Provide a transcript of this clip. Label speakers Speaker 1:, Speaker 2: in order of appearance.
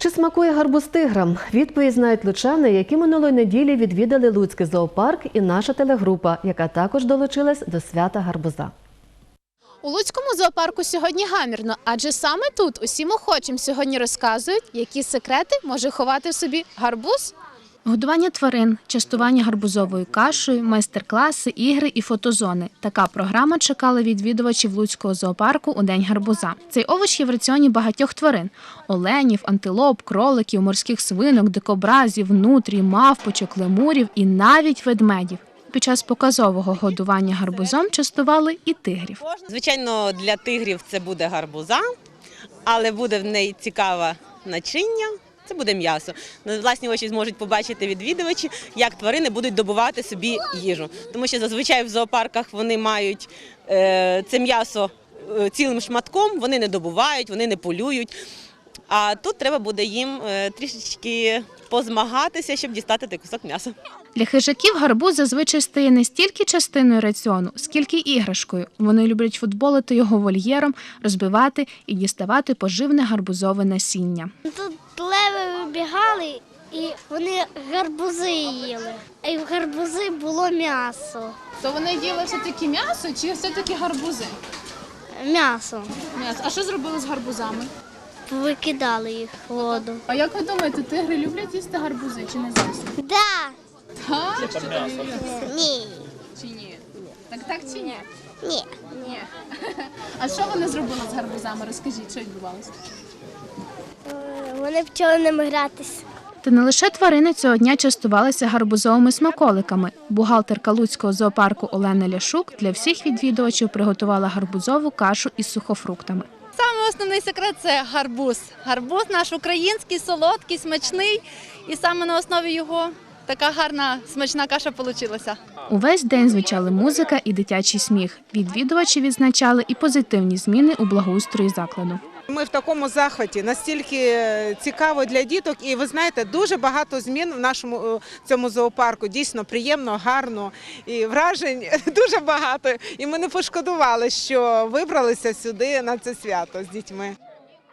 Speaker 1: Чи смакує гарбуз тиграм? Відповідь знають лучани, які минулої неділі відвідали Луцький зоопарк, і наша телегрупа, яка також долучилась до свята гарбуза.
Speaker 2: У Луцькому зоопарку сьогодні гамірно, адже саме тут усім охочим сьогодні розказують, які секрети може ховати в собі гарбуз. Годування тварин, частування гарбузовою кашею, майстер-класи, ігри і фотозони. Така програма чекала відвідувачів Луцького зоопарку у День гарбуза. Цей овоч є в раціоні багатьох тварин – оленів, антилоп, кроликів, морських свинок, дикобразів, нутрій, мавпочок, лемурів і навіть ведмедів. Під час показового годування гарбузом частували і тигрів.
Speaker 3: Звичайно, для тигрів це буде гарбуза, але буде в неї цікаве начиння. Це буде м'ясо. На власні очі зможуть побачити відвідувачі, як тварини будуть добувати собі їжу. Тому що зазвичай в зоопарках вони мають це м'ясо цілим шматком, вони не добувають, вони не полюють. А тут треба буде їм трішечки позмагатися, щоб дістати той кусок м'яса.
Speaker 2: Для хижаків гарбуз зазвичай стає не стільки частиною раціону, скільки іграшкою. Вони люблять футболити його вольєром, розбивати і діставати поживне гарбузове насіння.
Speaker 4: Тут леви вибігали і вони гарбузи їли, і в гарбузи було м'ясо.
Speaker 2: То вони їли все-таки м'ясо чи все-таки гарбузи?
Speaker 4: М'ясо.
Speaker 2: А що зробили з гарбузами?
Speaker 4: Викидали їх в воду.
Speaker 2: А як ви думаєте, тигри люблять їсти гарбузи чи не зовсім?
Speaker 4: Да.
Speaker 2: Так?
Speaker 4: Ні.
Speaker 2: Чи ні? Так чи ні?
Speaker 4: Ні.
Speaker 2: Ні. А що вони зробили з гарбузами? Розкажіть, що відбувалося?
Speaker 4: Вони почали ними гратись.
Speaker 2: Та не лише тварини цього дня частувалися гарбузовими смаколиками. Бухгалтерка Луцького зоопарку Олена Ляшук для всіх відвідувачів приготувала гарбузову кашу із сухофруктами.
Speaker 5: Саме основний секрет – це гарбуз. Гарбуз наш український, солодкий, смачний. І саме на основі його така гарна, смачна каша вийшла.
Speaker 2: Увесь день звучали музика і дитячий сміх. Відвідувачі відзначали і позитивні зміни у благоустрої закладу.
Speaker 6: Ми в такому захваті, настільки цікаво для діток, і ви знаєте, дуже багато змін в нашому цьому зоопарку. Дійсно приємно, гарно і вражень дуже багато. І ми не пошкодували, що вибралися сюди на це свято з дітьми.